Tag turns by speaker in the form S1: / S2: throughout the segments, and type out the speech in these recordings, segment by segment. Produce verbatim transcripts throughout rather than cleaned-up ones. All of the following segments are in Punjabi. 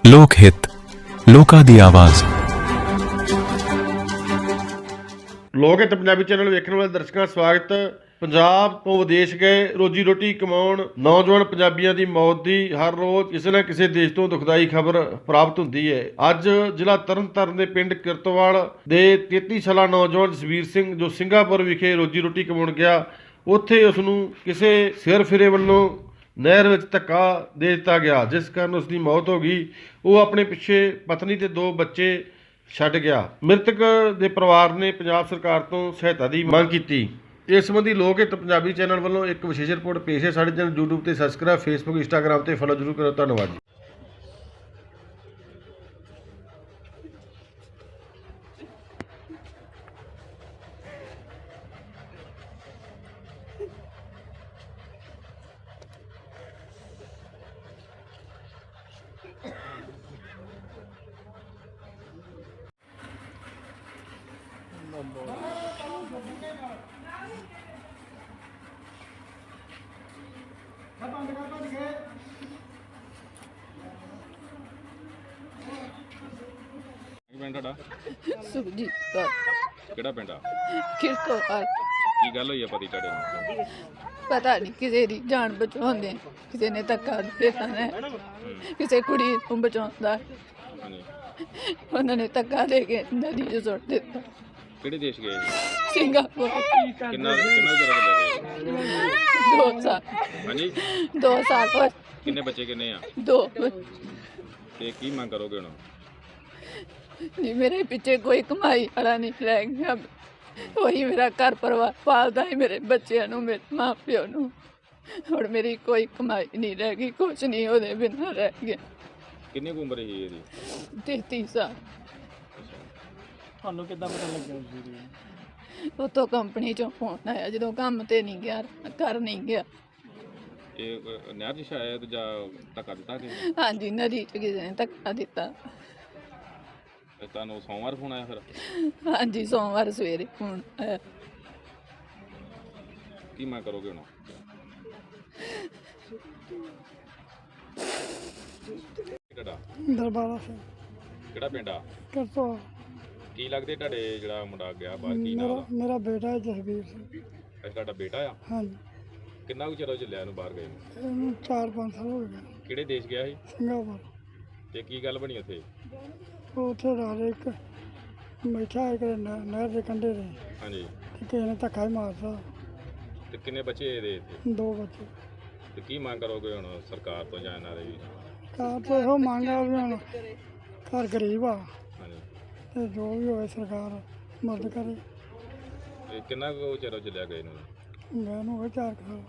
S1: ਲੋਕ ਹਿੱਤ, ਲੋਕਾਂ ਦੀ ਆਵਾਜ਼।
S2: ਲੋਕ ਹਿੱਤ ਪੰਜਾਬੀ ਚੈਨਲ ਵੇਖਣ ਵਾਲੇ ਦਰਸ਼ਕਾਂ ਦਾ ਸਵਾਗਤ। ਪੰਜਾਬ ਤੋਂ ਵਿਦੇਸ਼ ਗਏ ਰੋਜੀ ਰੋਟੀ ਕਮਾਉਣ ਨੌਜਵਾਨ ਪੰਜਾਬੀਆਂ ਦੀ ਮੌਤ ਦੀ ਹਰ ਰੋਜ਼ ਕਿਸੇ ਨਾ ਕਿਸੇ ਦੇਸ਼ ਤੋਂ ਦੁਖਦਾਈ ਖਬਰ ਪ੍ਰਾਪਤ ਹੁੰਦੀ ਹੈ। ਅੱਜ ਜ਼ਿਲ੍ਹਾ ਤਰਨਤਾਰਨ ਦੇ ਪਿੰਡ ਕਿਰਤਵਾਲ ਦੇ ਤੇਤੀ ਸਾਲਾ ਨੌਜਵਾਨ ਜਸਵੀਰ ਸਿੰਘ ਜੋ ਸਿੰਗਾਪੁਰ ਵਿਖੇ ਰੋਜੀ ਰੋਟੀ ਕਮਾਉਣ ਗਿਆ, ਉੱਥੇ ਉਸ ਨੂੰ ਕਿਸੇ ਸਿਰ ਫਿਰੇ ਵੱਲੋਂ ਨਹਿਰ ਵਿੱਚ ਧੱਕਾ ਦੇ ਦਿੱਤਾ ਗਿਆ, ਜਿਸ ਕਾਰਨ ਉਸ ਦੀ ਮੌਤ ਹੋ ਗਈ। ਉਹ ਆਪਣੇ ਪਿੱਛੇ ਪਤਨੀ ਤੇ ਦੋ ਬੱਚੇ ਛੱਡ ਗਿਆ। ਮ੍ਰਿਤਕ ਦੇ ਪਰਿਵਾਰ ਨੇ ਪੰਜਾਬ ਸਰਕਾਰ ਤੋਂ ਸਹਾਇਤਾ ਦੀ ਮੰਗ ਕੀਤੀ। ਇਸ ਸੰਬੰਧੀ ਲੋਕ ਹਿੱਤ ਪੰਜਾਬੀ ਚੈਨਲ ਵੱਲੋਂ ਇੱਕ ਵਿਸ਼ੇਸ਼ ਰਿਪੋਰਟ ਪੇਸ਼ ਹੈ। ਸਾਡੇ ਚੈਨਲ YouTube ਤੇ ਸਬਸਕ੍ਰਾਈਬ, ਫੇਸਬੁੱਕ, ਇੰਸਟਾਗ੍ਰਾਮ ਤੇ ਫੋਲੋ ਜ਼ਰੂਰ ਕਰੋ। ਧੰਨਵਾਦ ਜੀ।
S3: ਪਿੰਡ ਤੁਹਾਡਾ
S4: ਸੁਖਜੀਤ ਕੌਰ
S3: ਕਿਹੜਾ ਪਿੰਡ ਆ?
S4: ਕਿਰਤਵਾਲ।
S3: ਕੀ ਗੱਲ ਹੋਈ ਆ ਪਤੀ ਤੁਹਾਡੇ ਨੂੰ?
S4: ਪਤਾ ਨਹੀਂ ਕਿਸੇ ਦੀ ਜਾਨ ਬਚਾਉਂਦੇ, ਕਿਸੇ ਨੇ ਧੱਕਾ ਦੇ ਦੇਣਾ, ਕਿਸੇ ਕੁੜੀ ਨੂੰ ਬਚਾਉਂਦਾ,
S3: ਹਾਂਜੀ,
S4: ਉਹਨਾਂ ਨੇ ਧੱਕਾ ਦੇ ਕੇ ਨਦੀ 'ਚ ਸੁੱਟ ਦਿੱਤਾ।
S3: ਕਿਹੜੇ ਦੇਸ਼ ਗਏ ਸੀ?
S4: ਸਿੰਗਾਪੁਰ।
S3: ਕਿੰਨਾ ਕਿੰਨਾ ਚਿਰ ਹੋ ਗਿਆ?
S4: ਦੋ ਸਾਲ
S3: ਹਾਂਜੀ,
S4: ਦੋ ਸਾਲ ਹੋਏ।
S3: ਕਿੰਨੇ ਬੱਚੇ ਕਿੰਨੇ ਆ?
S4: ਦੋ।
S3: ਤੇ ਕੀ ਮੰਗ ਕਰੋਗੇ ਹੁਣ?
S4: ਨਹੀਂ, ਮੇਰੇ ਪਿੱਛੇ ਕੋਈ ਕਮਾਈ ਵਾਲਾ ਨਹੀਂ ਰਹਿ ਗਿਆ। ਉਹੀ ਮੇਰਾ ਘਰ ਪਰਿਵਾਰ ਪਾਲਦਾ ਹੈ, ਮੇਰੇ ਬੱਚਿਆਂ ਨੂੰ, ਮੇਰੇ ਮਾਂ ਪਿਓ ਨੂੰ। ਹੁਣ ਮੇਰੀ ਕੋਈ ਕਮਾਈ ਨਹੀਂ ਰਹਿ ਗਈ, ਕੁਛ ਨਹੀਂ ਉਹਦੇ ਬਿਨਾਂ ਰਹਿ ਗਿਆ।
S3: ਕਿੰਨੀ ਕੁ ਉਮਰ ਸੀ ਇਹਦੀ?
S4: ਤੇਤੀ ਸਾਲ।
S5: ਤੁਹਾਨੂੰ ਕਿੱਦਾਂ ਪਤਾ ਲੱਗਿਆ ਸੀ?
S4: ਉੱਥੋਂ ਕੰਪਨੀ ਚੋਂ ਫੋਨ ਆਇਆ, ਜਦੋਂ ਕੰਮ ਤੇ ਨਹੀਂ ਗਿਆ, ਘਰ ਨਹੀਂ ਗਿਆ।
S3: ਇਹ ਅਹ, ਨਹਿਰ 'ਚ ਸ਼ਾਇਦ ਜਾਂ ਧੱਕਾ ਦਿੱਤਾ ਕਿ
S4: ਹਾਂਜੀ, ਨਦੀ 'ਚ ਕਿਸੇ ਨੇ ਧੱਕਾ ਦਿੱਤਾ।
S3: ਤੁਹਾਨੂੰ ਸੋਮਵਾਰ ਫੋਨ ਆਇਆ ਫਿਰ?
S4: ਹਾਂਜੀ, ਸੋਮਵਾਰ ਸਵੇਰੇ ਫੋਨ ਆਇਆ।
S3: ਕੀ ਮੰਗ ਕਰੋਗੇ ਹੁਣ? ਤੁਹਾਡਾ
S5: ਦਰਬਾਰਾ ਸਿੰਘ
S3: ਕਿਹੜਾ ਪਿੰਡ ਆ?
S5: ਕਿਰਤਵਾਲ।
S3: ਕੀ ਲੱਗਦੇ ਤੁਹਾਡੇ ਜਿਹੜਾ ਮੁੰਡਾ ਗਿਆ ਬਾਹਰ, ਕੀ
S5: ਮੇਰਾ
S3: ਨਾਮ
S5: ਮੇਰਾ ਬੇਟਾ ਹੈ ਜਸਵੀਰ ਸਿੰਘ।
S3: ਦਾ? ਤੁਹਾਡਾ ਬੇਟਾ ਆ?
S5: ਹਾਂਜੀ,
S3: ਕਿੰਨਾ ਕੁ ਚਿਰ ਹੋ ਚੱਲਿਆ ਇਹਨੂੰ ਬਾਹਰ ਗਏ ਨੂੰ?
S5: ਇਹਨੂੰ ਚਾਰ ਪੰਜ ਸਾਲ ਹੋ ਗਏ।
S3: ਕਿਹੜੇ ਦੇਸ਼ ਗਿਆ ਸੀ?
S5: ਸਿੰਗਾਪੁਰ।
S3: ਤੇ ਕੀ ਗੱਲ ਬਣੀ ਉੱਥੇ?
S5: ਉਹ ਉੱਥੇ ਰਾਤ ਇੱਕ ਬੈਠਾ ਇੱਕ ਨਹਿ- ਨਹਿਰ ਦੇ ਕੰਢੇ 'ਤੇ,
S3: ਹਾਂਜੀ,
S5: ਤੇ ਕਿਸੇ ਨੇ ਧੱਕਾ ਹੀ ਮਾਰਤਾ।
S3: ਤੇ ਕਿੰਨੇ ਬੱਚੇ ਇਹਦੇ ਇੱਥੇ?
S5: ਦੋ ਬੱਚੇ।
S3: ਤੇ ਕੀ ਮੰਗ ਕਰੋਗੇ ਹੁਣ ਸਰਕਾਰ ਤੋਂ ਜਾਂ ਇਹਨਾਂ ਦੇ ਵੀ?
S5: ਕਾਰ ਤੋਂ ਇਹੋ ਮੰਗ ਆ ਵੀ ਹੁਣ ਘਰ ਗਰੀਬ ਆ,
S3: ਹਾਂਜੀ,
S5: ਤੇ ਜੋ ਵੀ ਹੋਵੇ ਸਰਕਾਰ ਮਦਦ ਕਰੇ।
S3: ਇਹ ਕਿੰਨਾ ਕੁ ਚਿਰ ਹੋ ਚੱਲਿਆ ਗਏ ਨੂੰ?
S5: ਮੈਂ ਨੂੰ ਹੋਵੇ ਚਾਰ ਕੁ ਸਾਲ।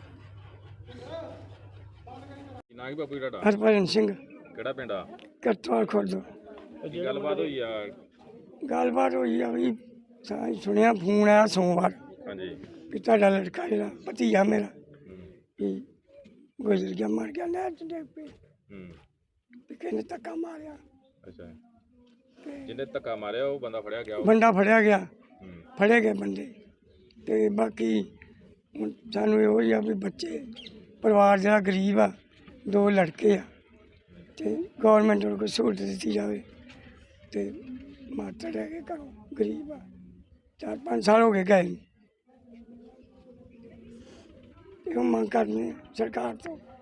S3: ਕੀ ਨਾਂ ਕੀ ਬਾਪੂ ਜੀ ਤੁਹਾਡਾ?
S5: ਹਰਭਜਨ ਸਿੰਘ,
S3: ਕਿਹੜਾ ਪਿੰਡ ਆ?
S5: ਕਿਰਤਵਾਲ ਖੁਰਦ।
S3: ਕੀ ਗੱਲਬਾਤ ਹੋਈ ਆ?
S5: ਗੱਲਬਾਤ ਹੋਈ ਆ ਵੀ ਸਾਂ ਸੁਣਿਆ ਫੋਨ ਆਇਆ ਸੋਮਵਾਰ
S3: ਹਾਂਜੀ,
S5: ਵੀ ਤੁਹਾਡਾ ਲੜਕਾ ਜਿਹੜਾ ਭਤੀਜਾ ਮੇਰਾ
S3: ਹੂੰ,
S5: ਵੀ ਗੁਜ਼ਰ ਗਿਆ, ਮਰ ਗਿਆ, ਨਹਿਰ 'ਚ ਡਿੱਗ ਪਈ।
S3: ਹੂੰ,
S5: ਵੀ ਕਿਸੇ ਨੇ ਧੱਕਾ ਮਾਰਿਆ,
S3: ਅੱਛਾ।
S5: ਤੇ
S3: ਜਿਹਨੇ ਧੱਕਾ ਮਾਰਿਆ ਉਹ ਬੰਦਾ ਫੜਿਆ ਗਿਆ? ਉਹ?
S5: ਬੰਦਾ ਫੜਿਆ ਗਿਆ,
S3: ਹੂੰ,
S5: ਫੜੇ ਗਏ ਬੰਦੇ। ਤੇ ਬਾਕੀ ਹੁਣ ਸਾਨੂੰ ਇਹੋ ਹੀ ਆ ਵੀ ਬੱਚੇ ਪਰਿਵਾਰ ਜਿਹੜਾ ਗਰੀਬ ਆ, ਦੋ ਲੜਕੇ ਆ, ਤੇ ਗੌਰਮੈਂਟ ਨੂੰ ਕੋਈ ਸਹੂਲਤ ਦਿੱਤੀ ਜਾਵੇ। ਤੇ ਮਾਤਾ ਰਹਿ ਕੇ ਘਰੋਂ ਗਰੀਬ ਆ, ਚਾਰ ਪੰਜ ਸਾਲ ਹੋ ਗਏ ਗਏ ਨੂੰ। ਇਹੋ ਮੰਗ ਕਰਨੀ ਸਰਕਾਰ ਤੋਂ।